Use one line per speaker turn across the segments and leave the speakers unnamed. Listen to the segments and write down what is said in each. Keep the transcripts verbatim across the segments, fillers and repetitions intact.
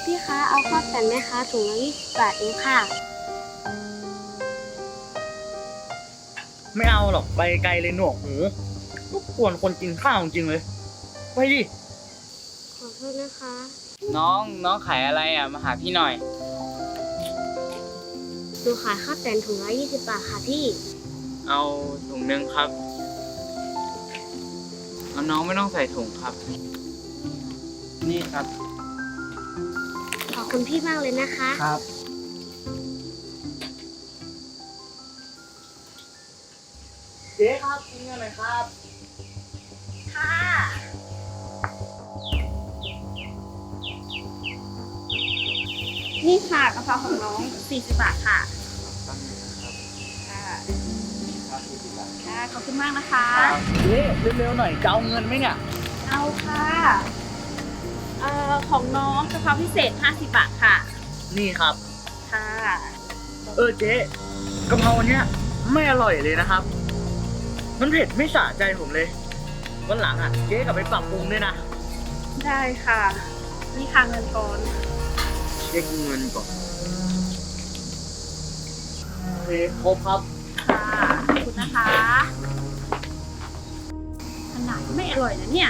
พี่คะเอาข้าวแต่นไหมคะถุงละยี่สิบบาทเองค่ะ
ไม่เอาหรอกไปไกลเลยหนวกหูรบกวนคนกินข้าวจริงเลยไปดิ
ขอโทษนะคะ
น้องน้องขายอะไรอ่ะมาหาพี่หน่อย
หนูขายข้าวแต่นถุงละยี่สิบบาทค่ะพี่
เอาถุงนึงครับเอาน้องไม่ต้องใส่ถุงครับนี่ครับ
ขอบคุณพี่มากเลยนะคะ
ครับเจ๊ครับกินเงินหน่อยครับ
ค่ะนี่ค่ะกะเพราของน้องสี่สิบบาทค่ะค่ะค่ะขอบคุณมากนะคะ
เจ๊เร็วๆหน่อยจะเอาเงินไหมเนี่ย
เอาค่ะเอ่อของน้องกะเพราพิเศษห้าสิบบาทค่ะ
นี่ครับ
ค่ะ
เออเจ๊กะเพราเนี้ยไม่อร่อยเลยนะครับมันเผ็ดไม่สะใจผมเลยวันหลังอ่ะเจ๊กลับไปปรับปรุงด้วยนะ
ได้ค่ะนี่ค่ะเงินก่อน
เช็คเงินก่อนโอเคครบครับ
ค่ะขอบคุณนะคะขนาดไม่อร่อยนะเนี่ย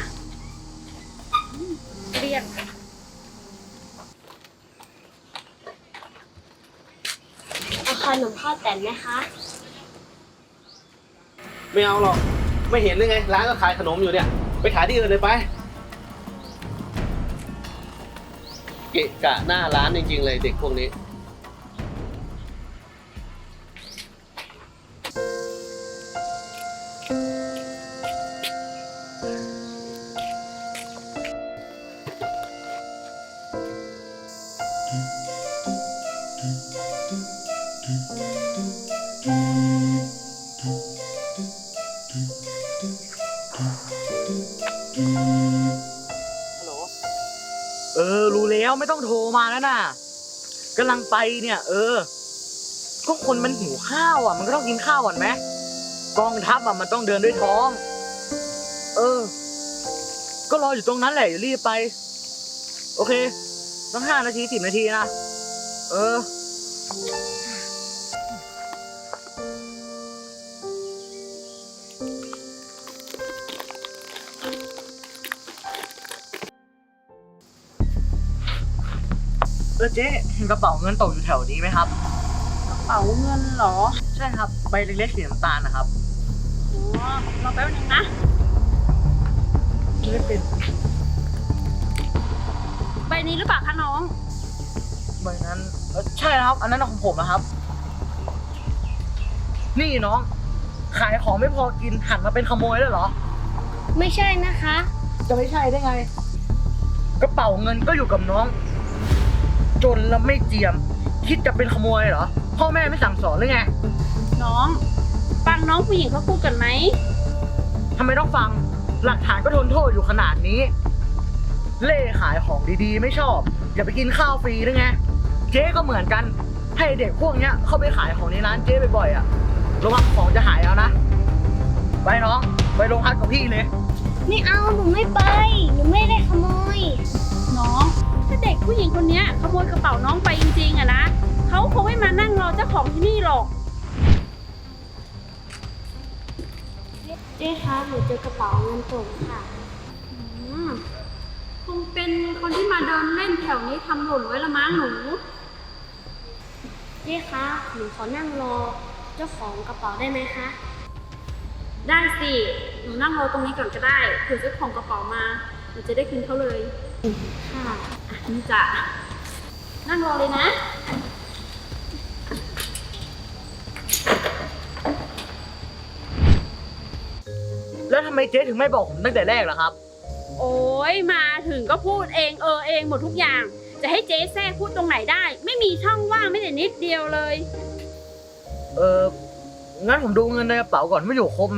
เรียนเอาขนมข้าวแต่นไหมคะ
ไม่เอาหรอกไม่เห็นเลยไงร้านก็ขายขนมอยู่เนี่ยไปขายที่อื่นเลยไปเกะกะหน้าร้านจริงๆเลยเด็กพวกนี้
เออรู้แล้วไม่ต้องโทรมาแล้วน่ะกำลังไปเนี่ยเออก็คนมันหิวข้าวอ่ะมันก็ต้องกินข้าวก่อนไหมกองทัพอ่ะมันต้องเดินด้วยท้องเออก็รออยู่ตรงนั้นแหละอย่ารีบไปโอเคต้องห้านาทีสิบนาทีนะเออเออเจ๊เห็นกระเป๋าเงินตกอยู่แถวนี้ไหมครับ
กระเป๋าเงินเหรอ
ใช่ครับใบเล็กๆสีน้ำตาลนะครับ
อ๋อรอแป๊บนึงนะ
ไม่เป็น
ใบนี้หรือเปล่าคะน้อง
ใบนั้นเออใช่ครับอันนั้นของผมนะครับนี่น้องขายของไม่พอกินหันมาเป็นขโมยแล้วเหรอ
ไม่ใช่นะคะ
จะไม่ใช่ได้ไงกระเป๋าเงินก็อยู่กับน้องจนแล้วไม่เจียมคิดจะเป็นขโมยเหรอพ่อแม่ไม่สั่งสอนหรือไง
น้องฟังน้องผู้หญิงเขาพูดกันไหม
ทำไมต้องฟังหลักฐานก็ทนโทษอยู่ขนาดนี้เล่ขายของดีๆไม่ชอบอย่าไปกินข้าวฟรีหรือไงเจ๊ก็เหมือนกันให้เด็กพวกเนี้ยเข้าไปขายของในร้านเจ๊บ่อยๆอ่ะระวังของจะหายเอานะไปน้องไปโรงพักกับพี่เลย
ไม่เอาหนูไม่ไปหนูไม่ได้ขโมยน้องถ้าเด็กผู้หญิงคนนี้ขโมยกระเป๋าน้องไปจริงๆอะนะเขาคงไม่มานั่งรอเจ้าของที่นี่หรอกเจ๊คะหนูเจอกระเป๋าเงินตกค่ะคงเป็นคนที่มาเดินเล่นแถวนี้ทำหล่นไว้ละมั้งหนูเจ๊คะหนูขอนั่งรอเจ้าของกระเป๋าได้ไหมคะได้สิหนูนั่งรอตรงนี้ก่อนก็ได้เผื่อเจ้าของกระเป๋ามาหนูจะได้คืนเขาเลยค่ะอ่ะนี่จ้ะนั่งรอเลยนะ
แล้วทำไมเจ๊ถึงไม่บอกผมตั้งแต่แรกล่ะครับ
โอ้ยมาถึงก็พูดเองเออเองหมดทุกอย่างจะให้เจ๊แทรกพูดตรงไหนได้ไม่มีช่องว่างไม่แต่นิดเดียวเลย
เอองั้นผมดูเงินในกระเป๋าก่อนไม่อยู่ครบไหม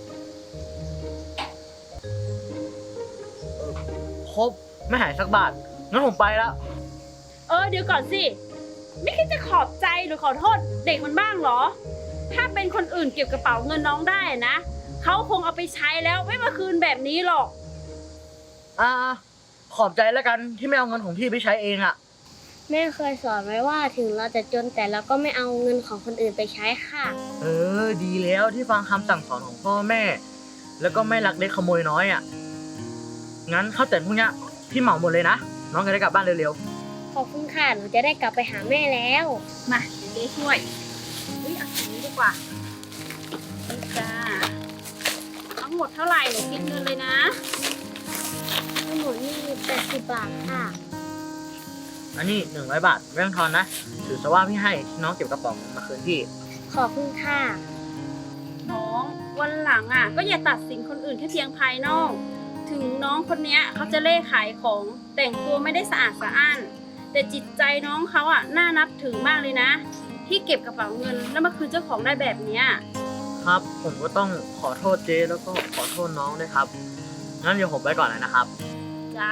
ครบไม่หายสักบาทงั้นผมไปแล้ว
เออเดี๋ยวก่อนสิไม่คิดจะขอบใจหรือขอโทษเด็กมันบ้างเหรอถ้าเป็นคนอื่นเก็บกระเป๋าเงินน้องได้นะเขาคงเอาไปใช้แล้วไม่มาคืนแบบนี้หรอก
อ่าขอบใจแล้วกันที่ไม่เอาเงินของพี่ไปใช้เองอะ
แม่เคยสอนไว้ว่าถึงเราจะจนแต่เราก็ไม่เอาเงินของคนอื่นไปใช้ค่ะ
เออ ดีแล้วที่ฟังคำสั่งสอนของพ่อแม่ แล้วก็ไม่ลักเล็กขโมยน้อยอ่ะ งั้นข้าวแต่พวกเนี้ยพี่เหมาหมดเลยนะ น้องจะได้กลับบ้านเร็ว
ขอบคุณค่ะ หนูจะได้กลับไปหาแม่แล้ว
มาเดี๋ยวเจ๊ช่วยเฮ้ยเอาอย่างนี้ดีกว่านี่จ้าทั้งหมดเท่าไหร่หนูคิดเงินเลยนะ
ทั้งหมดนี่แปดสิบบาทค่ะ
ๆ อันนี้หนึ่งร้อยบาทไม่ต้องทอนนะ ถือซะว่าพี่ให้ที่น้องเก็บกระป๋องมาคืนพี่
ขอบคุณค่ะ
น้องวันหลังอ่ะ ก็อย่าตัดสินคนอื่นแค่เพียงภายนอก ถึงน้องคนเนี้ยเขาจะเล่ขายของแต่งตัวไม่ได้สะอาดสะอ้าน แต่จิตใจน้องเขาอ่ะน่านับถือมากเลยนะ ที่เก็บกระเป๋าเงินแล้วมาคืนเจ้าของได้แบบเนี้ย
ครับ ผมก็ต้องขอโทษเจ๊แล้วก็ขอโทษน้องด้วยครับ งั้นเดี๋ยวผมไปก่อนเลยนะครับ
จ้า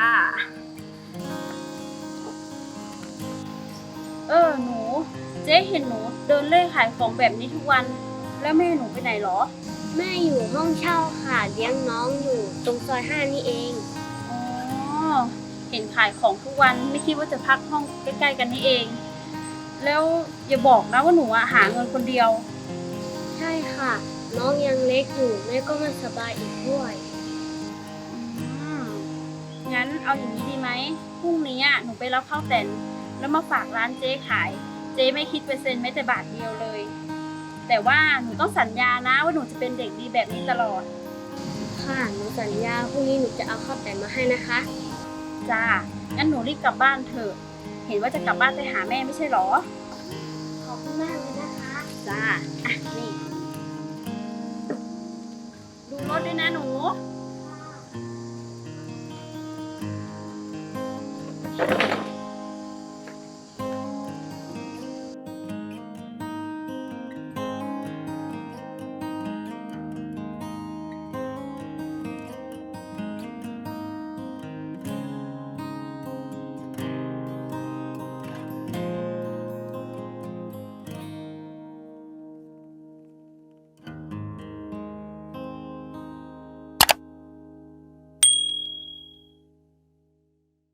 เออหนู เจ๊เห็นหนูเดินเล่ขายของแบบนี้ทุกวัน แล้วแม่หนูไปไหนหรอ
แม่อยู่ห้องเช่าค่ะ เลี้ยงน้องอยู่ตรงซอยห้านี่เอง
อ๋อ เห็นขายของทุกวันไม่คิดว่าจะพักห้องใกล้ๆกันนี่เอง แล้วอย่าบอกนะว่าหนูอะหาเงินคนเดียว
ใช่ค่ะ น้องยังเล็กอยู่แม่ก็ไม่สบายอีกด้วย
อืมงั้นเอาอย่างนี้ดีไหมพรุ่งนี้อะหนูไปรับข้าวแต่นแล้วมาฝากร้านเจ๊ขาย เจ๊ไม่คิดเปอร์เซ็นต์แม้แต่บาทเดียวเลย แต่ว่าหนูต้องสัญญานะว่าหนูจะเป็นเด็กดีแบบนี้ตลอด
ค่ะ หนูสัญญาพรุ่งนี้หนูจะเอาข้าวแต่นมาให้นะคะ
จ้า งั้นหนูรีบกลับบ้านเถอะ เห็นว่าจะกลับบ้านไปหาแม่ไม่ใช่หรอ
ขอบคุณมากเลยนะคะ
จ้า อ่ะ นี่ ดูรถด้วยนะหนู
ค